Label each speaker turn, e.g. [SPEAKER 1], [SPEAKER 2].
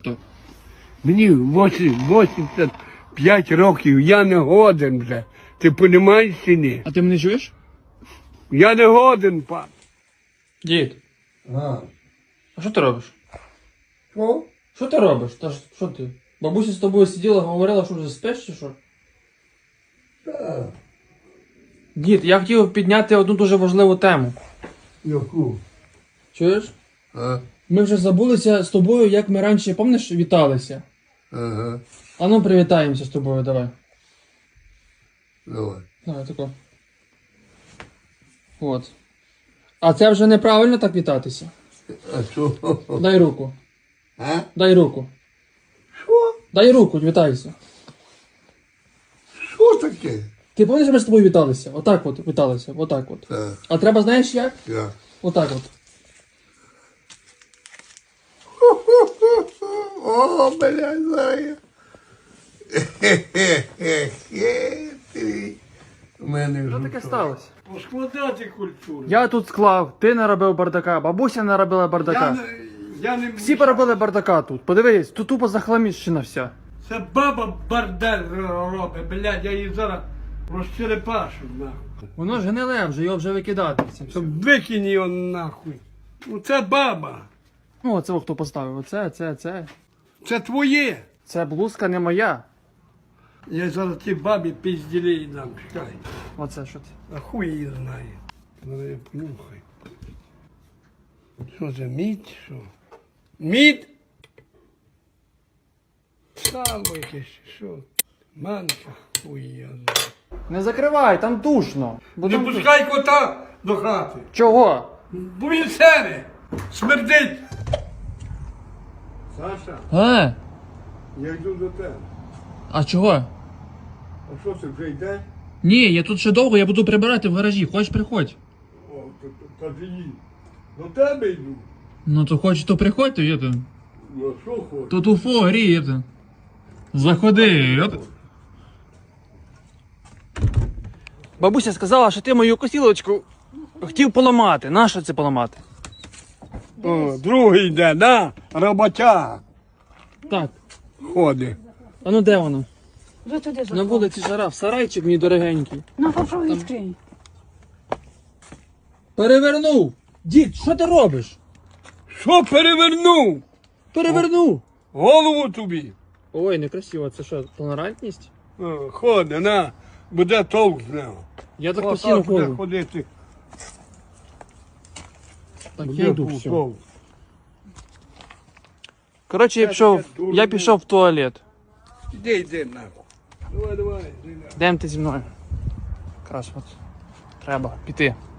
[SPEAKER 1] Мені 85 років, я не годен вже. Ти розумієш чи ні?
[SPEAKER 2] А ти мене чуєш?
[SPEAKER 1] Я не годен, пан.
[SPEAKER 2] Дід,
[SPEAKER 1] А.
[SPEAKER 2] а що ти робиш?
[SPEAKER 1] Що?
[SPEAKER 2] Що ти робиш? Та ж, що ти? Бабуся з тобою сиділа, говорила, що вже спиш чи що?
[SPEAKER 1] Так.
[SPEAKER 2] Дід, я хотів підняти одну дуже важливу тему.
[SPEAKER 1] Яку?
[SPEAKER 2] Чуєш?
[SPEAKER 1] А?
[SPEAKER 2] Ми вже забулися з тобою, як ми раніше, пам'ятаєш, віталися.
[SPEAKER 1] Ага.
[SPEAKER 2] А ну привітаємося з тобою, давай.
[SPEAKER 1] Давай.
[SPEAKER 2] Давай, тако. От. А це вже неправильно так вітатися.
[SPEAKER 1] А що?
[SPEAKER 2] Дай руку.
[SPEAKER 1] А?
[SPEAKER 2] Дай руку.
[SPEAKER 1] Що?
[SPEAKER 2] Дай руку, вітайся.
[SPEAKER 1] Що таке?
[SPEAKER 2] Ти пам'ятаєш, ми з тобою віталися? Отак от віталися, отак от.
[SPEAKER 1] Так.
[SPEAKER 2] А треба, знаєш як?
[SPEAKER 1] Я.
[SPEAKER 2] Отак от.
[SPEAKER 1] О, блядь, зараз. Хе-хе-хе. У мене
[SPEAKER 2] Що
[SPEAKER 1] вже
[SPEAKER 2] таке
[SPEAKER 1] то.
[SPEAKER 2] сталося?
[SPEAKER 1] Поскладати культуру.
[SPEAKER 2] Я тут склав, ти наробив бардака, бабуся наробила бардака.
[SPEAKER 1] Я не
[SPEAKER 2] Всі поробили бардака тут. Подивись, тут тупо захламіщена вся.
[SPEAKER 1] Це баба бардель робить, блядь, я її зараз розчерепашу, нахуй.
[SPEAKER 2] Воно ж гниле вже, його вже викидати. Це все.
[SPEAKER 1] Щоб викинь його нахуй. Ну це баба.
[SPEAKER 2] Ну, оце хто поставив. Оце.
[SPEAKER 1] Це твоє.
[SPEAKER 2] Це блузка не моя.
[SPEAKER 1] Я зараз ті бабі пізділі дам, чекай.
[SPEAKER 2] Оце що ти.
[SPEAKER 1] А хуй її знає. Ну я понюхай. Що це, мідь, що? Мідь? Сало якесь, що? Манка, хуй я знаю.
[SPEAKER 2] Не закривай, там душно. Бо
[SPEAKER 1] Не
[SPEAKER 2] там
[SPEAKER 1] пускай кота до хати.
[SPEAKER 2] Чого?
[SPEAKER 1] Бо він сере, смердить. Саша, я йду до тебе.
[SPEAKER 2] А чого?
[SPEAKER 1] А що це вже йде?
[SPEAKER 2] Ні, я тут ще довго, я буду прибирати в гаражі. Хочеш, приходь.
[SPEAKER 1] О, кажи їй. До тебе йду.
[SPEAKER 2] Ну то хочеш, то приходь, то є то.
[SPEAKER 1] Ну а що хочеш?
[SPEAKER 2] Тут уфо гріє то. Заходи. Бабуся сказала, що ти мою косілочку хотів поламати. Нащо це поламати?
[SPEAKER 1] О, другий йде, да? Роботяга
[SPEAKER 2] Так.
[SPEAKER 1] ходить.
[SPEAKER 2] А ну де воно?
[SPEAKER 3] Вже туди
[SPEAKER 2] На
[SPEAKER 3] заходить.
[SPEAKER 2] вулиці жара, в сарайчик мій дорогенький.
[SPEAKER 3] На попробуй відкрий.
[SPEAKER 2] Перевернув! Дід, що ти робиш?
[SPEAKER 1] Що перевернув?
[SPEAKER 2] Перевернув!
[SPEAKER 1] Голову тобі.
[SPEAKER 2] Ой, некрасиво, це що, толерантність?
[SPEAKER 1] О, ходи, на, буде толк з нього.
[SPEAKER 2] Я так
[SPEAKER 1] Отак
[SPEAKER 2] постійно
[SPEAKER 1] буде
[SPEAKER 2] ходжу.
[SPEAKER 1] ходити.
[SPEAKER 2] Так,
[SPEAKER 1] Буде
[SPEAKER 2] я йду, все.
[SPEAKER 1] толк.
[SPEAKER 2] Коротше, я пішов в туалет.
[SPEAKER 1] Іди, нахуй. Давай, іди.
[SPEAKER 2] Йдемте зі мною. Якраз от. Треба піти.